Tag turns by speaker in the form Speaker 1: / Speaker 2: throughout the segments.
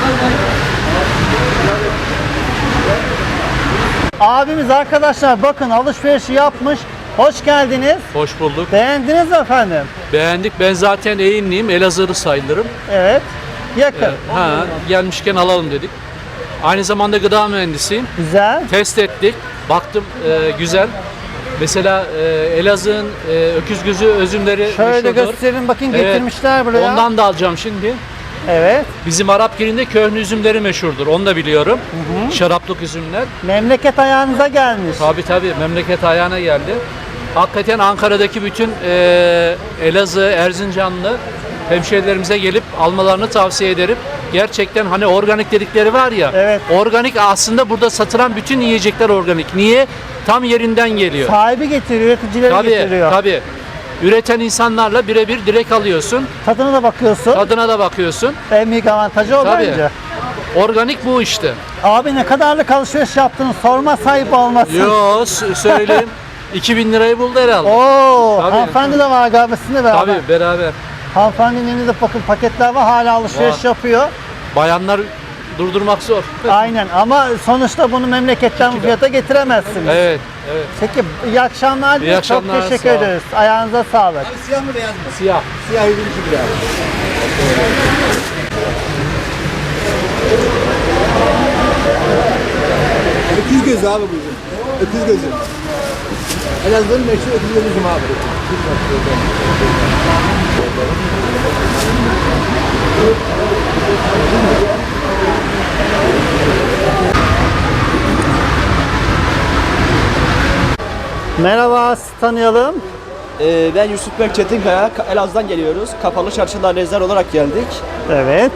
Speaker 1: Abimiz arkadaşlar bakın alışverişi yapmış. Hoş geldiniz.
Speaker 2: Hoş bulduk.
Speaker 1: Beğendiniz mi efendim?
Speaker 2: Beğendik. Ben zaten Eğimliyim. Elazığlı sayılırım.
Speaker 1: Evet. Yakın.
Speaker 2: Gelmişken alalım dedik. Aynı zamanda gıda mühendisiyim.
Speaker 1: Güzel.
Speaker 2: Test ettik. Baktım güzel. Mesela Elazığ'ın öküz gözü üzümleri
Speaker 1: Şöyle
Speaker 2: meşhurdur.
Speaker 1: gösterin bakın
Speaker 2: Evet.
Speaker 1: getirmişler buraya.
Speaker 2: Ondan da alacağım şimdi.
Speaker 1: Evet.
Speaker 2: Bizim Arapgir'inde köhne üzümleri meşhurdur. Onu da biliyorum. Şaraplık üzümler.
Speaker 1: Memleket ayağınıza gelmiş.
Speaker 2: Tabii memleket ayağına geldi. Hakikaten Ankara'daki bütün Elazığ, Erzincanlı hemşehrilerimize gelip almalarını tavsiye ederim. Gerçekten hani organik dedikleri var ya.
Speaker 1: Evet.
Speaker 2: Organik aslında burada satılan bütün yiyecekler organik. Niye? Tam yerinden geliyor.
Speaker 1: Sahibi getiriyor, üreticileri getiriyor.
Speaker 2: Tabii. Üreten insanlarla birebir direkt alıyorsun.
Speaker 1: Tadına da bakıyorsun.
Speaker 2: Tadına da bakıyorsun.
Speaker 1: En büyük avantajı o
Speaker 2: Tabii.
Speaker 1: bence.
Speaker 2: Organik bu işte.
Speaker 1: Abi ne kadarlık alışveriş yaptınız? Sorma sahip olmasın.
Speaker 2: Yo söyleyeyim. 2000 lirayı buldu herhalde.
Speaker 1: Oo,
Speaker 2: Tabii.
Speaker 1: hanımefendi de var galiba sizinle beraber.
Speaker 2: Tabii beraber.
Speaker 1: Hanımefendinin elinde bakın paketler var hala alışveriş
Speaker 2: Var.
Speaker 1: yapıyor.
Speaker 2: Bayanlar durdurmak zor.
Speaker 1: Aynen ama sonuçta bunu memleketten bu fiyata getiremezsiniz.
Speaker 2: Evet.
Speaker 1: Peki iyi akşamlar.
Speaker 2: İyi akşamlar,
Speaker 1: Çok teşekkür
Speaker 2: sağ ol.
Speaker 1: ederiz. Ayağınıza sağlık.
Speaker 3: Siyah mı beyaz mı?
Speaker 2: Siyah.
Speaker 3: Siyah 102 lira. Öküz gözü abi bu üzüm. Öküz gözü. Elazığ'ın meşhur öküz gözü üzüm abi.
Speaker 1: Merhaba, sizi tanıyalım.
Speaker 3: Ben Yusuf Berk Çetinkaya. Elazığ'dan geliyoruz. Kapalı çarşıda nezler olarak geldik.
Speaker 1: Evet.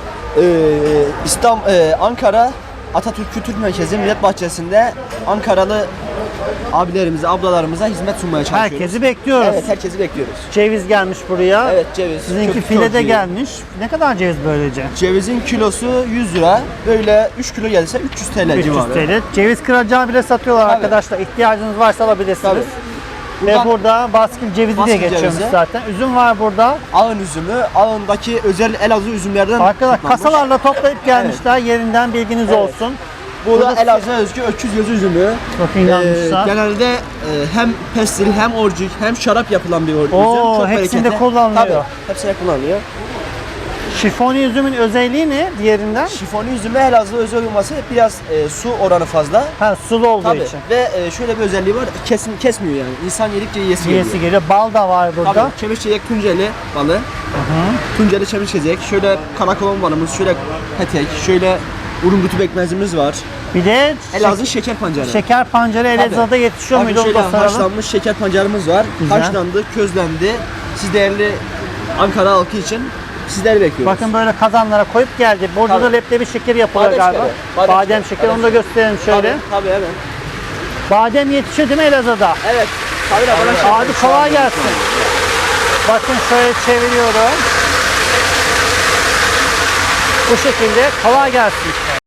Speaker 3: Ankara Atatürk Kültür Merkezi Millet Bahçesi'nde Ankaralı abilerimize, ablalarımıza hizmet sunmaya çalışıyoruz.
Speaker 1: Herkesi bekliyoruz.
Speaker 3: Evet, herkesi bekliyoruz.
Speaker 1: Ceviz gelmiş buraya.
Speaker 3: Evet, ceviz.
Speaker 1: Sizinki
Speaker 3: Çok
Speaker 1: file de
Speaker 3: iyi.
Speaker 1: gelmiş. Ne kadar ceviz böylece?
Speaker 3: Cevizin kilosu 100 lira. Böyle 3 kilo gelirse 300 TL
Speaker 1: 300
Speaker 3: civarı.
Speaker 1: TL. Ceviz kıracağı bile satıyorlar
Speaker 3: Tabii.
Speaker 1: arkadaşlar. İhtiyacınız varsa alabilirsiniz.
Speaker 3: Tabii.
Speaker 1: Ve
Speaker 3: Buradan
Speaker 1: burada baskül cevizi diye
Speaker 3: baskül
Speaker 1: geçiyormuş
Speaker 3: cevizi.
Speaker 1: zaten. Üzüm var burada.
Speaker 3: Ağın üzümü, ağındaki özel Elazığ üzümlerden
Speaker 1: Arkadaşlar
Speaker 3: toplanmış.
Speaker 1: kasalarla toplayıp gelmişler. Yerinden bilginiz
Speaker 3: Evet.
Speaker 1: olsun.
Speaker 3: Bu da
Speaker 1: Burada
Speaker 3: Elazığ'a özgü öküz gözü üzümü.
Speaker 1: Çok inanmışlar.
Speaker 3: Genelde hem pestil, hem orcik, hem şarap yapılan bir üzüm.
Speaker 1: Oo,
Speaker 3: Çok
Speaker 1: hepsinde
Speaker 3: bereketli.
Speaker 1: kullanılıyor.
Speaker 3: Tabii, hepsinde kullanılıyor.
Speaker 1: Şifoni üzümün özelliği ne diğerinden?
Speaker 3: Şifoni üzümü Elazığ özel olması biraz su oranı fazla.
Speaker 1: Ha, sulu olduğu
Speaker 3: Tabii.
Speaker 1: için.
Speaker 3: Ve şöyle bir özelliği var, kesmiyor yani. İnsan yedikçe yiyesi geliyor.
Speaker 1: Yiyesi geliyor. Bal da var burada.
Speaker 3: Tabii, çemişçeyek Tunceli balı. Tunceli çemişçeyek. Şöyle karakolon balımız, şöyle petek, şöyle urungutu pekmezimiz var.
Speaker 1: Bir de
Speaker 3: Elazığ şeker pancarı.
Speaker 1: şeker pancarı Elazığ'da yetişiyor
Speaker 3: Bakın
Speaker 1: muydu? Onu
Speaker 3: şöyle
Speaker 1: da soralım.
Speaker 3: haşlanmış şeker pancarımız var.
Speaker 1: Güzel.
Speaker 3: Haşlandı, közlendi. Siz değerli Ankara halkı için sizleri bekliyoruz.
Speaker 1: Bakın böyle kazanlara koyup geldi. Burada
Speaker 3: Tabii.
Speaker 1: da leblebi şekeri yapılıyor
Speaker 3: Badem
Speaker 1: galiba.
Speaker 3: şekeri,
Speaker 1: Badem şekeri. Onu da gösterelim şöyle.
Speaker 3: Tabii evet.
Speaker 1: Badem yetişiyor değil mi Elazığ'da?
Speaker 3: Evet. Tabii de bana
Speaker 1: Abi kolay gelsin. Bakın şöyle çeviriyorum. Bu şekilde kolay gelsin.